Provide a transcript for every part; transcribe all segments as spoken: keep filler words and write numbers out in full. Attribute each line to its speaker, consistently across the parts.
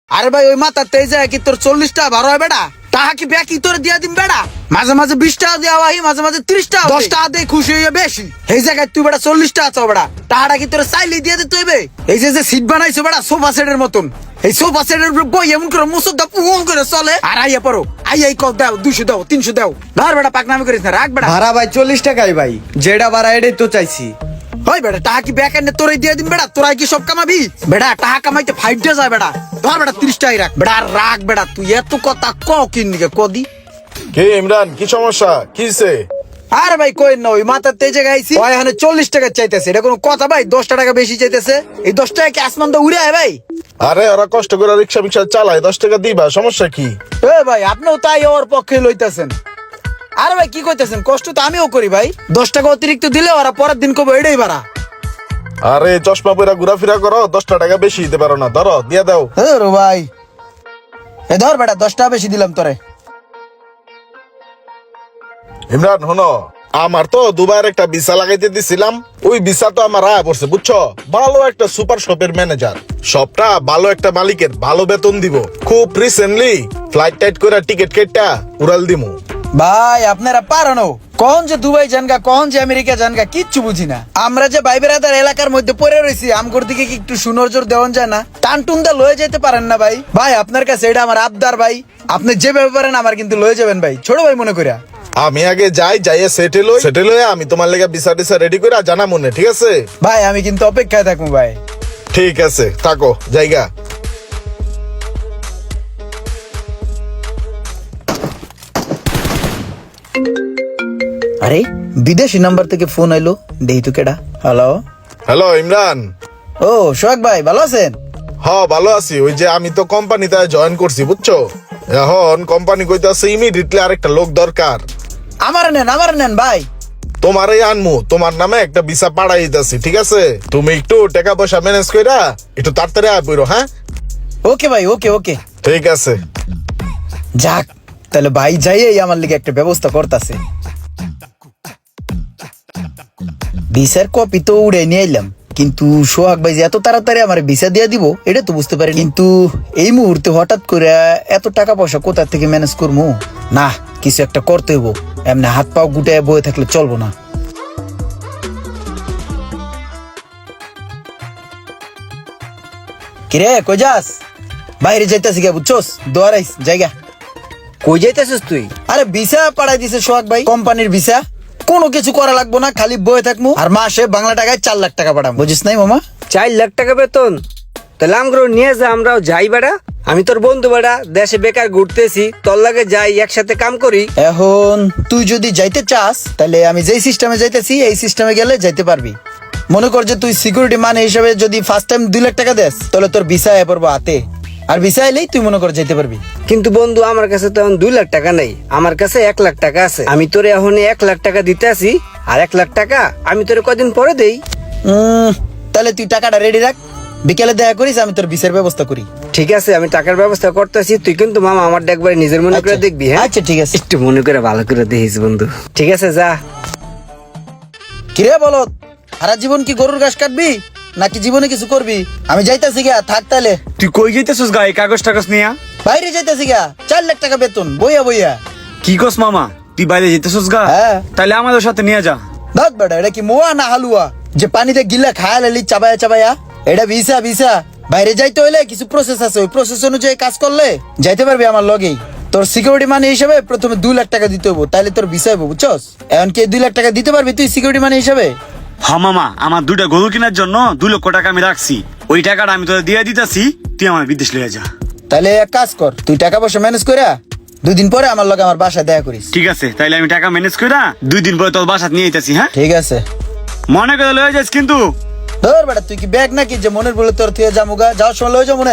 Speaker 1: আরে ভাই ওই মাথা তেজ কি তোর চল্লিশ টাকা ভাড়া হয় বেটা? টাকা কি ব্যাকি তোর দিয়া দিম বেটা? মাঝে মাঝে বিশ টাকা দেওয়া হয়, মাঝে মাঝে ত্রিশ টাকা, দশ টাকা দিয়ে খুশি হয়ে বেশি। এই জায়গায় তুই বেটা চল্লিশ টাকা চাও বেটা, টাকাটা কি তোর চাইলে দিয়ে দিতে হইবে? এই যে যে সিট বানাইছো বেটা সোফা সেটের মতন, এই সোফা সেটের উপর বই এমন করে মুসুর দা পুং করে চলে। আর আইয়া পড়ো, আই আই কল দাও, দুশো দাও, তিনশো দাও, ধর বেটা পাকনামি করিস না, রাখ বেটা।
Speaker 2: ভাড়া ভাই চল্লিশ টাকাই ভাই, যেটা ভাড়া এটাই তো চাইছি।
Speaker 1: ওই বেটা টাকা কি ব্যাক এনে তোরাই দিয়ে দিন বেটা? তোরাই কি সব কামাবি বেটা? টাকা কামাইতে ফাইট ডে যায় বেটা, ধর বেটা তিরিশ টাকাই রাখ বেটা। আর রাখ বেটা, তুই এত কথা ক কিনকে কদি।
Speaker 3: কে ইমরান, কি সমস্যা, কিসে?
Speaker 1: আরে ভাই কই না, ওই মাথার তেজে গাইছি ওই এখানে চল্লিশ টাকা চাইতেছে, এটা কোনো কথা ভাই? দশটা টাকা বেশি চাইতেছে, এই দশ টাকা কি আসমান তো উড়ে আয় ভাই?
Speaker 3: আরে ওরা কষ্ট করে রিক্সা ফিক্সা চালায়, দশ টাকা দিবা, সমস্যা কি?
Speaker 1: এ ভাই আপনিও তাই ওর পক্ষে লইতেছেন। আরে ভাই কি কইতেছেন, কষ্ট তো আমিও করি ভাই, দশ টাকা অতিরিক্ত দিলে ওরা পরের দিন কবে এটাই বাড়া।
Speaker 3: আরে চশমা পরে ঘোরাফেরা করো, দশটা টাকা বেশি দিতে পারো না, ধরো দিয়ে দাও।
Speaker 1: এ রো ভাই এ ধর বেটা, দশ টাকা বেশি দিলাম তোরে।
Speaker 3: ইমরান হনো, আমার তো দুবার একটা ভিসা লাগাইতে দিছিলাম, ওই ভিসা তো আমার আয়া পড়ছে বুঝছো। ভালো একটা সুপার শপের ম্যানেজার, সবটা ভালো একটা মালিকের, ভালো বেতন দিব। খুব রিসেন্টলি ফ্লাইট টাইট করে টিকিট কেটটা উড়াল দিমু।
Speaker 1: ভাই আপনারা পারানো কখন যে দুবাই জানগা, কখন যে আমেরিকা জানগা কিচ্ছু বুঝি না। আমরা যে ভাই বেড়াদার এলাকার মধ্যে পড়ে রয়েছি, আমগোর দিকে কি একটু সুনজর দেওয়ান যায় না? টান টুন দা লয়ে যেতে পারেন না ভাই? ভাই আপনার কাছে এটা আমার আবদার ভাই, আপনি যেভাবে পারেন আমার কিন্তু লয়ে যাবেন ভাই, ছোট ভাই মনে করিয়া।
Speaker 3: আমি আগে যাই, যাইয়ে সেটেল হই, সেটেল হয়ে আমি তোমার লেগে ভিসা টিসা রেডি করে জানা মনে, ঠিক আছে?
Speaker 1: ভাই আমি কিন্তু অপেক্ষায় থাকবো ভাই।
Speaker 3: ঠিক আছে থাকো, জায়গা।
Speaker 1: আরে বিদেশি নাম্বার থেকে ফোন আইলো, দেই তো কেডা। Hello
Speaker 3: hello Imran.
Speaker 1: ও সোহাগ ভাই ভালো আছেন?
Speaker 3: হ ভালো আছি, ওই যে আমি তো কোম্পানিতে জয়েন করছি বুঝছো, এখন কোম্পানি কইতাছে ইমিডিয়েটলি আরেকটা লোক দরকার।
Speaker 1: আমার নেন আমার নেন ভাই।
Speaker 3: তোমারই আনমু, তোমার নামে একটা ভিসা পাঠাই দিতেছি, ঠিক আছে? তুমি একটু টাকা পয়সা ম্যানেজ কইরা একটু তাড়াতাড়ি আয় পড়ো, হ্যাঁ?
Speaker 1: ওকে ভাই, ওকে ওকে
Speaker 3: ঠিক আছে।
Speaker 1: যাক তাহলে ভাই যাই আমার লিগে একটা ব্যবস্থা করতেছে। ভিসার কপি তো উড়ে নিয়ে এলাম, কিন্তু সোহাগ ভাই যে এত তাড়াতাড়ি আমার ভিসা দিয়ে দিব এটা তো বুঝতে পারি। কিন্তু এই মুহূর্তে হঠাৎ করে এত টাকা পয়সা কোথা থেকে ম্যানেজ করবো? না কিছু একটা করতে হইব, এমনি হাত পাও গুটায় বয়ে থাকলে চলবো না। কিরে কই যাস? বাইরে যাইতাছি গা বুঝছস, দোয়ারাইস জায়গা।
Speaker 4: কই যাইতেছিস তুই?
Speaker 1: আরে ভিসা পাঠাই দিছে সোহাগ ভাই, কোম্পানির ভিসা, কোনো কিছু করা লাগবো না, খালি বয়ে থাকবো আর মাসে বাংলা টাকায় চার লাখ টাকা পাঠাবো, বুঝিস নাই মামা?
Speaker 4: চার লাখ টাকা বেতন? তাহলে আমরাও নিয়ে যা, আমরাও যাই বেড়া। আমি তোর বন্ধু বেড়া, দেশে বেকার ঘুরতেছি, তোর লাগে যাই, একসাথে কাম করি।
Speaker 1: এখন তুই যদি যাইতে চাস তাহলে আমি যেই সিস্টেমে যাইতেছি এই সিস্টেমে গেলে যাইতে পারবি। মনে কর যে তুই সিকিউরিটি মানে হিসেবে যদি ফার্স্ট টাইম দুই লাখ টাকা দেস তাহলে তোর ভিসা এ পড়বো হাতে, আর ভিসা এলেই তুই মনে কর যেতে পারবি।
Speaker 4: কিন্তু বন্ধু আমার কাছে তো এখন দুই লাখ টাকা নেই, আমার কাছে এক লাখ টাকা আছে। আমি তোরে এখন এক লাখ টাকা দিতে আসি, আর এক লাখ টাকা আমি তোরে কদিন পরে দেই।
Speaker 1: উম, তাহলে তুই টাকাটা রেডি রাখ, বিকেলে দেখা করিস, আমি তোর ভিসার ব্যবস্থা করি।
Speaker 4: ঠিক আছে আমি টাকার ব্যবস্থা করতেছি, তুই কিন্তু মামা আমার একবার নিজের মনে করে
Speaker 1: আচ্ছা।
Speaker 4: দেখবি, হ্যাঁ?
Speaker 1: আচ্ছা ঠিক আছে,
Speaker 4: একটু মনে করে ভালো করে দেখিস বন্ধু। ঠিক আছে যা।
Speaker 1: কিরে বলো, সারা জীবন কি গরুর ঘাস কাটবি নাকি জীবনে কিছু করবি? আমি যাইতাছি গা, থাক তাহলে।
Speaker 2: তুই কই যাইতেছিস গায়ে, কাগজ টাগজ নিয়া?
Speaker 1: বাইরে যাইতাছি গা, চার লাখ টাকা বেতন বইয়া বইয়া।
Speaker 2: কি কস মামা, তুই বাইরে যেতেছিস গা?
Speaker 1: হ্যাঁ।
Speaker 2: তাহলে আমাদের সাথে নিয়ে যা।
Speaker 1: দাঁত বেটা, এটা কি মোয়া না হালুয়া যে পানিতে গিলা খায়া লালি চাবায়া চাবায়া? এটা ভিসা ভিসা, বাইরে যাইতে হইলে কিছু প্রসেস আছে, ওই প্রসেস অনুযায়ী কাজ করলে যাইতে পারবি আমার লগেই। তোর সিকিউরিটি মানি হিসাবে প্রথমে দুই লাখ টাকা দিতে হবো, তাইলে তোর ভিসা হইব, বুঝছস? এখন কি দুই লাখ টাকা দিতে পারবি তুই সিকিউরিটি মানি হিসাবে?
Speaker 2: হ্যাঁ মামা, আমার দুইটা গরু কেনার জন্য দুই লক্ষ টাকা আমি রাখছি, ওই টাকাটা আমি তোদের দিয়ে দিতেছি, তুই আমার বিদেশ লিয়ে যা।
Speaker 1: তাহলে এক কাজ কর, তুই টাকা পয়সা ম্যানেজ করে দুই দিন পরে আমার লগে আমার বাসায় দেখা করিস।
Speaker 2: ঠিক আছে, তাইলে আমি টাকা ম্যানেজ করে দুই দিন পরে তোর বাসাত নিয়ে যেতেছি, হ্যাঁ?
Speaker 1: ঠিক আছে,
Speaker 2: মনে করে লয়ে যাস কিন্তু।
Speaker 1: ধর বেটা, তুই কি ব্যাগ নাকি যে মনের বলে তোর থেকে জামুগা, যাওয়ার সময় লয়ে যাও মনে।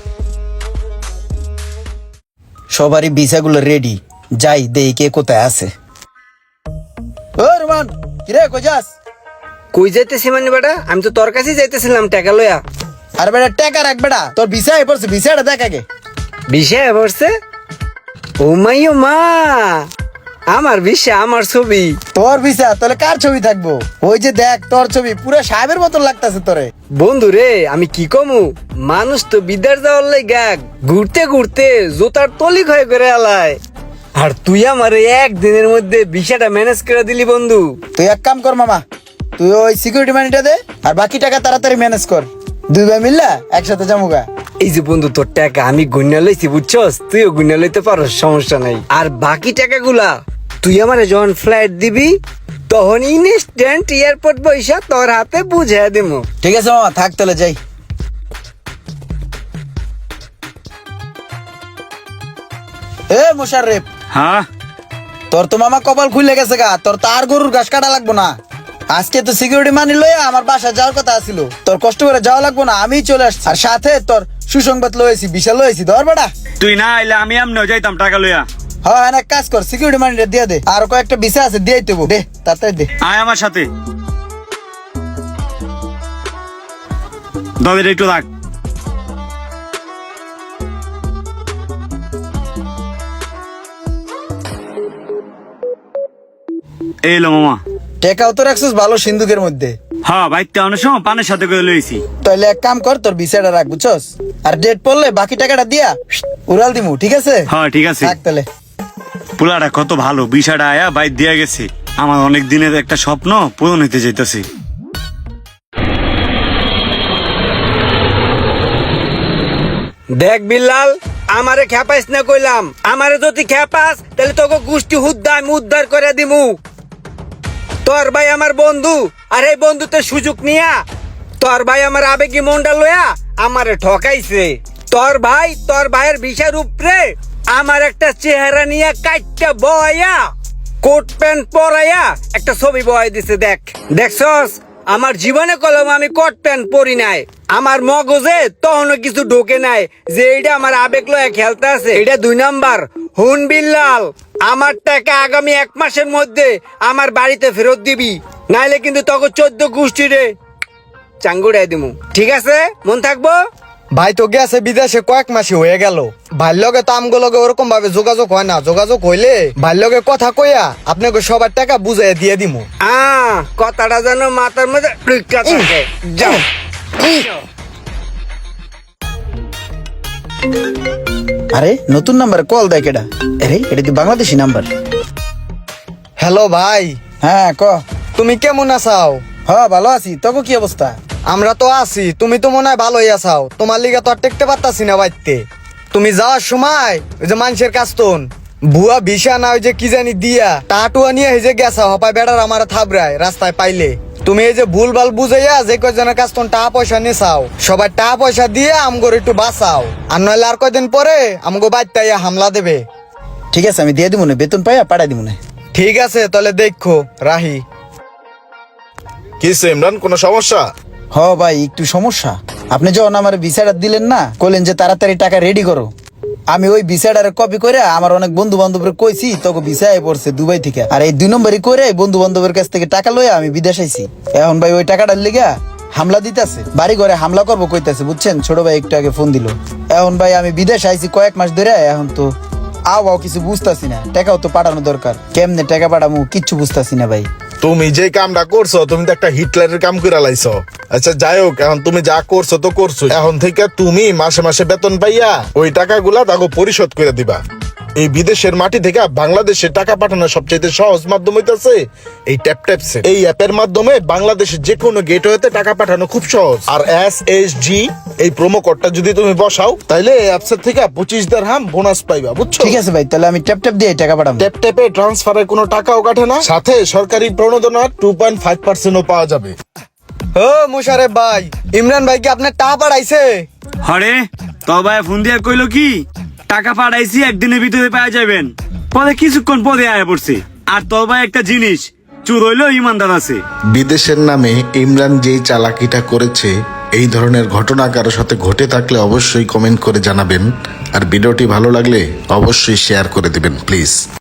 Speaker 1: সবারই ভিসা গুলো রেডি, যাই দেই কে কোথায় আছে। ও রুমান, কিরে কই যাস?
Speaker 4: কই যাইতেছি মানে বেটা, আমি তো তোর কাছেই যাইতেছিলাম টাকা লইয়া।
Speaker 1: আর বেটা টাকা রাখ বেটা, তোর ভিসা এ পড়ছে, ভিসাটা দেখ আগে।
Speaker 4: বিষয় পড়ছে? ও মাই ও মা, আমার বিষয়, আমার ছবি।
Speaker 1: তোর ভিসা তাহলে কার ছবি থাকবো? ওই যে দেখ তোর ছবি, পুরো সাহেবের মতন লাগতাছে তোরে।
Speaker 4: বন্ধু রে আমি কি কমু, মানুষ তো বিদ্যার যাওয়ার লাইগা ঘুরতে ঘুরতে জোতার তলি ক্ষয় করে আলায়, আর তুই আমার একদিনের মধ্যে বিষয়টা ম্যানেজ করে দিলি বন্ধু।
Speaker 1: তুই এক কাম কর মামা, তুই ওই সিকিউরিটি মানিটা দে আর বাকি টাকা তাড়াতাড়ি ম্যানেজ কর, দুই ভাই মিললা একসাথে যামুগা।
Speaker 4: এই যে বন্ধু তোর টাকা আমি গুণা লইছি বুঝছস, তুইও গুণা লইতে পারস, সমস্যা নাই। আর বাকি টাকাগুলা তুই আমারে যখন ফ্লাইট দিবি তখন ইনস্ট্যান্ট এয়ারপোর্ট পয়সা তোর হাতে বুঝে দিমু।
Speaker 1: ঠিক আছে মামা, থাক তাহলে যাই। এ মোশাররেফ,
Speaker 2: হ্যাঁ
Speaker 1: তোর তো মামা কপাল খুলে গেছে গা, তোর তো আর গরুর ঘাস কাটা লাগবো না। আজকে তো সিকিউরিটি মানি লইয়া আমার বাসা যাওয়ার কথা ছিল, তোর কষ্ট করে যাওয়া লাগবো না, আমি চলে আসছি। আর সাথে তোর সুসংবাদ লয়েছি, বিশাল লয়েছি, ধর বেটা।
Speaker 2: তুই না আইলে আমি এমনিও যাইতাম টাকা লইয়া।
Speaker 1: হ্যাঁ হ্যাঁ, এক কাজ কর, সিকিউরিটি মানিটা দিয়ে দে, আর কয়েকটা বিষয় আছে দিয়ে দেবো, দে তাড়াতাড়ি দে।
Speaker 2: আয় আমার সাথে, দাদের একটু রাখ। এই লো মামা।
Speaker 1: টেকাও তো রাখছিস ভালো সিন্ধুকের মধ্যে।
Speaker 2: হ্যাঁ বাইকটা অনেক সময় পানের সাথে করে লইছি।
Speaker 1: তাহলে এক কাম কর, তোর বিষয়টা রাখ বুঝছস, আর ডেট পড়লে বাকি টাকাটা দিয়া উড়াল দিমু, ঠিক আছে?
Speaker 2: হ্যাঁ ঠিক আছে।
Speaker 1: থাক তাহলে।
Speaker 2: পোলাটা কত ভালো, বিষয়টা আয়া বাইক দিয়া গেছে, আমার অনেক দিনের একটা স্বপ্ন পূরণ হইতে যাইতেছে।
Speaker 4: দেখ বিল্লাল, আমারে খেপাইস না কইলাম, আমারে যদি খেপাস তাহলে তোকে গোষ্ঠী হুদ্দা আমি উদ্ধার করে দিমু। তোর ভাই আমার বন্ধু, আর এই বন্ধুতে সুযোগ নিয়া তোর ভাই আমার আবেগী মনটা লয়া আমারে ঠকাইছে। তোর ভাই তোর ভাইয়ের বিষয়ের উপরে আমার একটা চেহারা নিয়ে কাটটা বয়া কোট প্যান্ট পরাইয়া একটা ছবি বয় দিছে। দেখ দেখছস, আমার জীবনে কলম আমি কোট প্যান্ট পরি নাই, আমার মগজে তখনও কিছু ঢোকে নাই যে এইটা আমার আবেগ লয়া খেলতে আছে। এটা দুই নাম্বার। হুন বিল্লাল, আমার টাকা আগামী এক মাসের মধ্যে আমার বাড়িতে ফেরত দিবি, নাইলে কিন্তু তখন চোদ্দ গোষ্ঠী রে চাঙ্গুড়াই দিমু, ঠিক আছে? মন থাকবো?
Speaker 5: ভাই তো গেছে বিদেশে কয়েক মাসে হয়ে গেল, ভাইয়ের লগে তো আমগো লগে ওরকম ভাবে যোগাযোগ হয় না, যোগাযোগ হইলে ভাইয়ের লগে কথা কইয়া আপনাকে সবার টাকা বুঝাই দিয়ে দিমু।
Speaker 4: আ কথাটা যেন মাথার মধ্যে ঢুইকা থাকে। যাও।
Speaker 1: আরে নতুন নাম্বার কল দেয় কেডা? আরে এটা তো বাংলাদেশি নাম্বার।
Speaker 5: হ্যালো ভাই,
Speaker 1: হ্যাঁ ক।
Speaker 5: তুমি কেমন আছাও?
Speaker 1: হ্যাঁ ভালো আছি, তোকে কি অবস্থা?
Speaker 5: আমরা তো আছি, তুমি তো মনে হয় ভালোই আছাও, তোমার লিগা তো আর টেকতে পারতাছি না বাইতে। তুমি যাওয়ার সময় ওই যে মানুষের কাস্তন ভুয়া ভিসা না ওই যে কি জানি দিয়া টাটুয়া নিয়ে এই যে গেছা হপায় বেড়ার আমার থাবরায় রাস্তায় পাইলে, তুমি এই যে ভুল ভাল বুঝাইয়া যে কয়জনের কাস্তন টাকা পয়সা নেছাও, সবাই টাকা পয়সা দিয়ে আমগোর একটু বাঁচাও, আর নইলে আর কয়দিন পরে আমগো বাইতাইয়া হামলা দেবে।
Speaker 1: ঠিক আছে, আমি দিয়ে দিব না, বেতন পাইয়া পাঠাই দিব না।
Speaker 5: ঠিক আছে তাহলে দেখো রাহি।
Speaker 3: কি ইমরান, কোনো সমস্যা?
Speaker 1: হ ভাই একটু সমস্যা। আপনি যখন আমার ভিসাটা দিলেন না, কইলেন যে তাড়াতাড়ি টাকা রেডি করো, আমি ওই ভিসাটার কপি করে আমার অনেক বন্ধু বান্ধবের কইছি, তোকে ভিসায় পড়ছে দুবাই থেকে, আর এই দুই নম্বরই করে বন্ধু বান্ধবের কাছ থেকে টাকা লইয়া আমি বিদেশ আইছি। এখন ভাই ওই টাকাটার লিগা হামলা দিতেছে, বাড়ি ঘরে হামলা করবো কইতাছে, বুঝছেন? ছোট ভাই একটু আগে ফোন দিল। এখন ভাই আমি বিদেশ আইছি কয়েক মাস ধরে, এখন তো আও আও কিছু বুঝতাছি না, টাকাও তো পাঠানো দরকার, কেমনে টাকা পাঠামু কিচ্ছু বুঝতাছি না ভাই।
Speaker 3: তুমি যে কামটা করছো, তুমি তো একটা হিটলারের কাম করে লাইছো। আচ্ছা যাই হোক, এখন তুমি যা করছো তো করছো, এখন থেকে তুমি মাসে মাসে বেতন পাইয়া ওই টাকাগুলা তাকে পরিশোধ করে দিবা। এই বিদেশের মাটি থেকে বাংলাদেশে টাকা পাঠানোর সবচেয়ে সহজ মাধ্যম হইতাছে এই ট্যাপ ট্যাপ সেট। এই অ্যাপের মাধ্যমে বাংলাদেশের যে কোনো গেটওয়েতে টাকা পাঠানো খুব সহজ। আর এস এস জি এই প্রোমো কোডটা যদি তুমি বসাও, তাহলে এই অ্যাপসের থেকে পঁচিশ দিরহাম বোনাস পাইবা, বুঝছো?
Speaker 1: ঠিক আছে ভাই, তাহলে আমি ট্যাপ ট্যাপ দিয়ে টাকা পাঠাবো।
Speaker 3: ট্যাপ ট্যাপে ট্রান্সফারের কোনো টাকাও কাটে না, সাথে সরকারি প্রণোদনা টু পয়েন্ট ফাইভ পার্সেন্টও পাওয়া যাবে।
Speaker 5: ও মুশারেফ ভাই, ইমরান ভাই কি আপনার টাকা পাঠাইছে?
Speaker 2: হরে তোর ভাই ফোন দিয়ে কইলো কি টাকা পাঠাইছি একদিনের ভিতরে পাওয়া যাবেন, পরে কিছুক্ষণ পরে আয়া পড়ছে। আর তোর ভাই একটা জিনিস, চুর হইলেও ইমানদার আছে।
Speaker 6: বিদেশের নামে ইমরান যেই চালাকিটা করেছে, এই ধরনের ঘটনা কারোর সাথে ঘটে থাকলে অবশ্যই কমেন্ট করে জানাবেন, আর ভিডিওটি ভালো লাগলে অবশ্যই শেয়ার করে দিবেন প্লিজ।